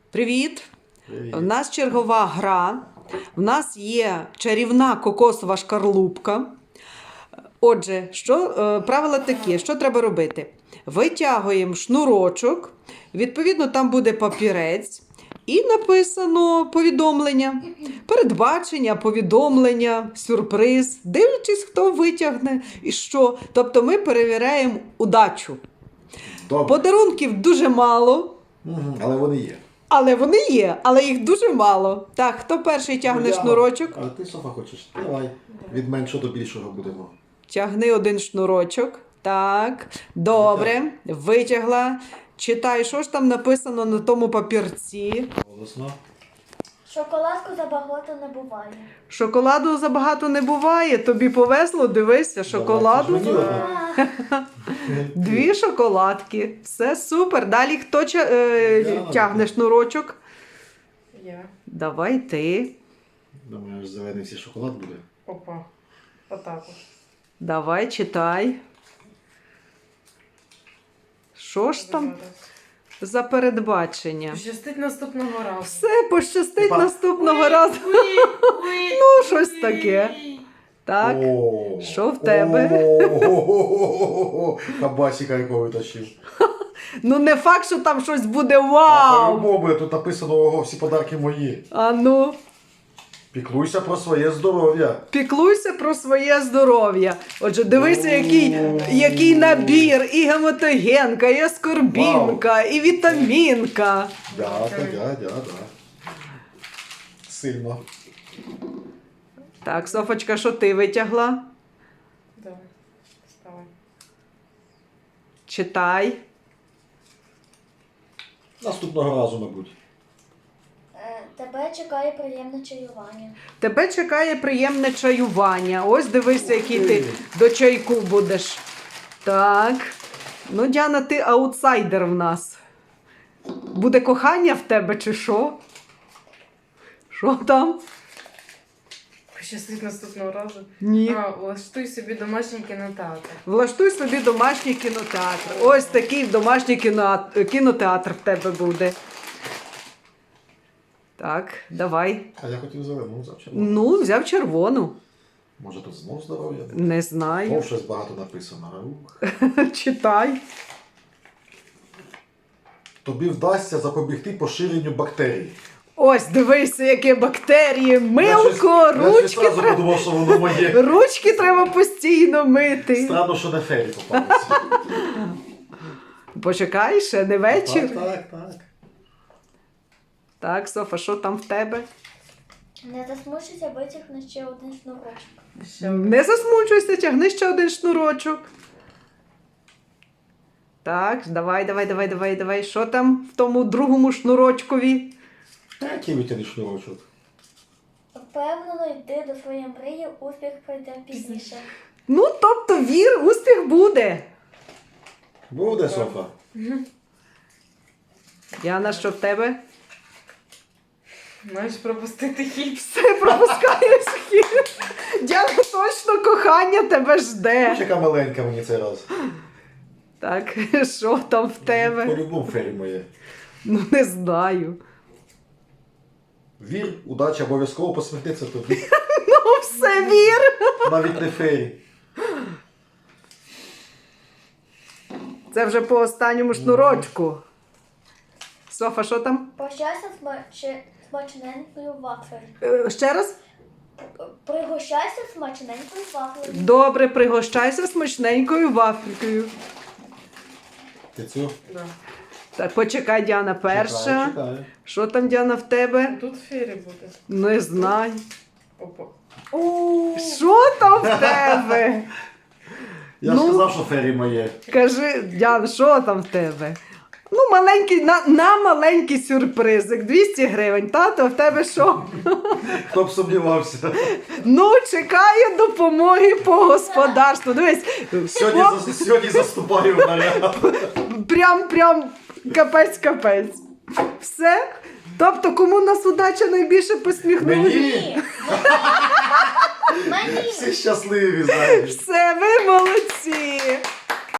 Привіт! Привіт. У нас чергова гра. У нас є чарівна кокосова шкарлупка. Отже, правила такі, що треба робити? Витягуємо шнурочок, відповідно, там буде папірець, і написано повідомлення, передбачення, повідомлення, сюрприз, дивлячись, хто витягне і що. Тобто ми перевіряємо удачу. Добре. Подарунків дуже мало. Але вони є. Але вони є, але їх дуже мало. Так, хто перший тягне шнурочок? А ти, Софа, хочеш? Давай. Від меншого до більшого будемо. Тягни один шнурочок. Так, добре, витягла. Читай, що ж там написано на тому папірці. Голосно. Шоколадку забагато не буває. Шоколаду забагато не буває, тобі повезло, дивися, шоколаду. Давай, це ж мені одна. Дві шоколадки. Все супер. Далі хто тягне шнурочок? Я. Давай ти. Думаю, аж зелений всі шоколад буде. Опа. Отак от. Давай, читай. Що ж там за передбачення? Щастить наступного разу. Все, пощастить Па- наступного разу. Ну, щось таке. Так, О! що в тебе? О! Кабасика якого витащив. Ну не факт, що там щось буде А вау. по-любому, тут написано, ого, всі подарки мої. А ну, Піклуйся про своє здоров'я. піклуйся про своє здоров'я. Отже, дивися, який набір. І гематогенка, і аскорбінка, і вітамінка. Да. Сильно. Так, Софочка, що ти витягла? Давай. Вставай. Читай. Наступного разу, мабуть. Тебе чекає приємне чаювання. Тебе чекає приємне чаювання. Ось дивися, який ти до чайку будеш. Так. Ну, Діана, ти аутсайдер в нас. Буде кохання в тебе чи що? Що там? Щастить наступного разу. Ні. Влаштуй собі домашній кінотеатр. Влаштуй собі домашній кінотеатр. Ось такий домашній кінотеатр в тебе буде. Так, давай. А я хотів зелену, взяв червону. Ну, взяв червону. Може тут знов здоров'я? Не знаю. Знов щось багато написано. Ух. Читай. Тобі вдасться запобігти поширенню бактерій. Ось, дивися, які бактерії. Милко, Я ручки щось одразу треба. подумав, що воно моє. Ручки треба постійно мити. Странно, що на фері попалося. Почекай, ще не вечір. Так. Так, Софа, що там в тебе? Не засмучуйся, витягни ще один шнурочок. Не засмучуйся, тягни ще один шнурочок. Так, давай. Що там в тому другому шнурочкові? Який витягни шнурочок? Впевнено йди до своєї мрії, успіх прийде пізніше. Ну, тобто вір, успіх буде. Буде, Софа. Діана, що в тебе? Маєш пропустити хід. Все, пропускаєш хід. Діана, точно кохання тебе жде. Яка маленька мені цей раз. Так, що там в тебе? По-любому фері моє. Ну, не знаю. Вір, удача обов'язково посміхнеться тобі. Ну, все, вір. Навіть не фері. Це вже по останньому шнурочку. Софа, що там? Прощайся смачненькою вафлею. Ще раз? Пригощайся смачненькою вафлею. Добре, пригощайся смачненькою вафелькою. Ти цю? Да. Так, почекай, Діана перша. Чекаю. Що там, Діана, в тебе? Тут фері буде. Не знаю. Опа. Що там в тебе? Я Ну. ж сказав, що фері моє. Кажи, Діана, що там в тебе? Ну, маленький, на маленький сюрпризик. 200 гривень. Тато, а в тебе що? Хто б сумнівався. Ну, чекаю допомоги по господарству. Дивись, Сьогодні заступаю в наряд. прям капець. Все? Тобто, кому нас удача найбільше посміхнула? Мені Мені! всі щасливі, знаєш. Все, ви молодці!